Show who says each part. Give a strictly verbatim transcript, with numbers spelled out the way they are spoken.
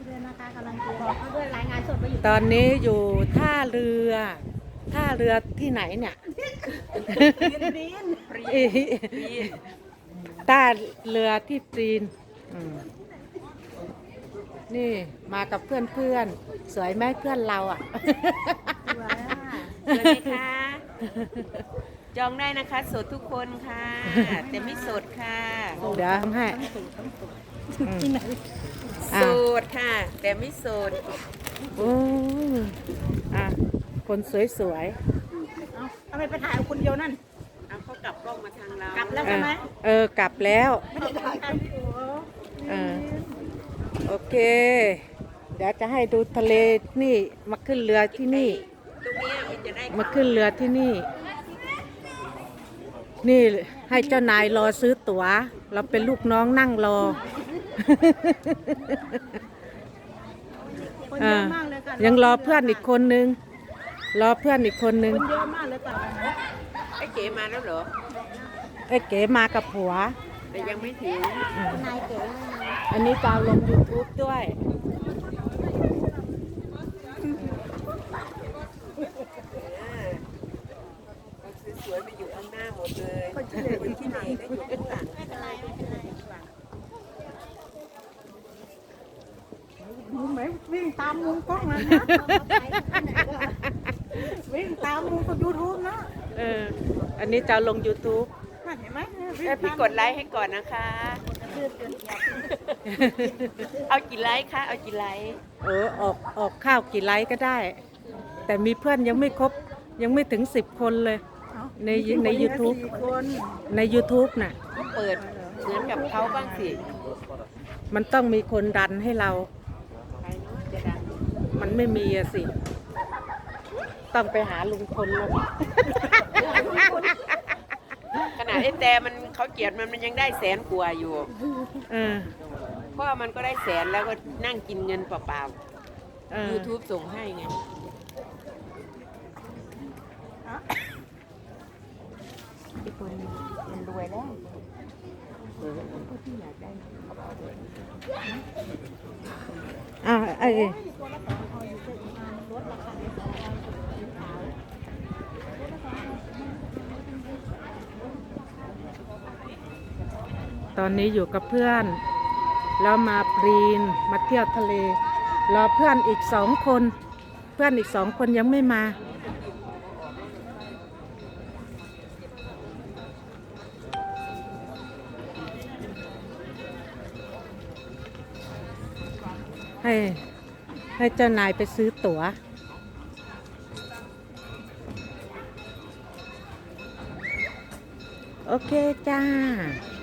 Speaker 1: เลยนะคะกำลังบอกเขาด้วยรายงานสดไปอยู่
Speaker 2: ตอนนี้อยู่ท่าเรือท่าเรือที่ไหนเนี่ย
Speaker 1: ดิน
Speaker 2: ท่าเรือที่จีนอืมนี่มากับเพื่อนเพื่อนๆสวยไหมเพื่อนเราอ่ะ
Speaker 1: สวยอ่ะ
Speaker 3: สวัสดีค่ะ จองได้นะคะโสดทุกคนค่ะ แต่ไม่โสดค่ะ
Speaker 2: เดี๋ยวทำให้อืม
Speaker 1: ที่ไหน
Speaker 2: อ่ะ
Speaker 3: โสดค่ะ แต่ไม่โสด
Speaker 2: โอ้อ่ะคนสวย
Speaker 1: เอาทำไมไปถ่ายเอาคนเดียวนั่น
Speaker 3: เอาเขากลับกล้องมาทางเรา
Speaker 1: กลับ
Speaker 2: ๆ
Speaker 1: แล้ว
Speaker 2: เอ
Speaker 1: ใช่
Speaker 2: อ
Speaker 1: ไหม
Speaker 2: เออกลับแล้ว
Speaker 1: ไม่ได้ถ่ายกันโอ้โห
Speaker 2: เออโอเค เดี๋ยวจะให้ดูทะเลนี่มาขึ้นเรือที่นี่
Speaker 3: ตรงเนี้ยมันจะได้
Speaker 2: มาขึ้นเรือที่นี่ นี่ให้เจ้านายรอซื้อตั๋ว เราเป็นลูกน้องนั่งรอ
Speaker 1: คนเยอะมากเลยค่ะ
Speaker 2: ยังรอเพื่อนอีกคนนึง รอเพื่อนอีกคนนึง
Speaker 1: คนเยอะมากเลยค่ะ
Speaker 3: ไอ้เก๋มาแล้วเหรอ
Speaker 2: ไอ้เก๋มากับผัว
Speaker 3: แต่ยังไม่ถึง
Speaker 1: นายเก๋
Speaker 2: อันนี้จะเอาลง YouTube ด้วย
Speaker 3: เราสวยๆไปอยู่ข้างหน้าหมดเลยคนที่ไหนก็อยู่ข้างหลัง
Speaker 1: ไม่เป็นไรไม่เป็นไรดูไหมวิ่งตามมุมกล้องเลยนะวิ่งตามมุมของยูทูบนะ
Speaker 2: เออ อันนี้จะเอาลง YouTube
Speaker 1: น่าเห็นไหม
Speaker 3: เอ้ยพี่กดไลค์ให้ก่อนนะคะ เอากี่ไลค์คะ เอากี่ไลค์
Speaker 2: เออออกออกข้าวกี่ไลค์ก็ได้ แต่มีเพื่อนยังไม่ครบ ยังไม่ถึงสิบคนเลย ในใน YouTube
Speaker 1: สี่คน
Speaker 2: ใน YouTube น่ะ
Speaker 3: เปิดเหมือนกับเขาบ้างสิ
Speaker 2: มันต้องมีคนดันให้เรา
Speaker 3: ใครเนาะจะดัง
Speaker 2: มันไม่มีอะสิ ต้องไปหาลุงพลแล้ว
Speaker 3: ขนาดไอ้แต่มันเขาเกลียดมันมันยังได้แสนกว่าอยู่
Speaker 2: เออ
Speaker 3: เพราะว่ามันก็ได้แสนแล้วก็นั่งกินเงินเปล่า
Speaker 2: เออ
Speaker 3: ๆ YouTube ส่งให้ไง ไอ้คนมันรวยแล้วเออผู้ที่อยากได้
Speaker 2: อ่าไอ้ตอนนี้อยู่กับเพื่อน แล้วมาปรีนมาเที่ยวทะเล รอเพื่อนอีกสองคน เพื่อนอีกสองคนยังไม่มา ให้ให้เจ้านายไปซื้อตั๋ว โอเคจ้า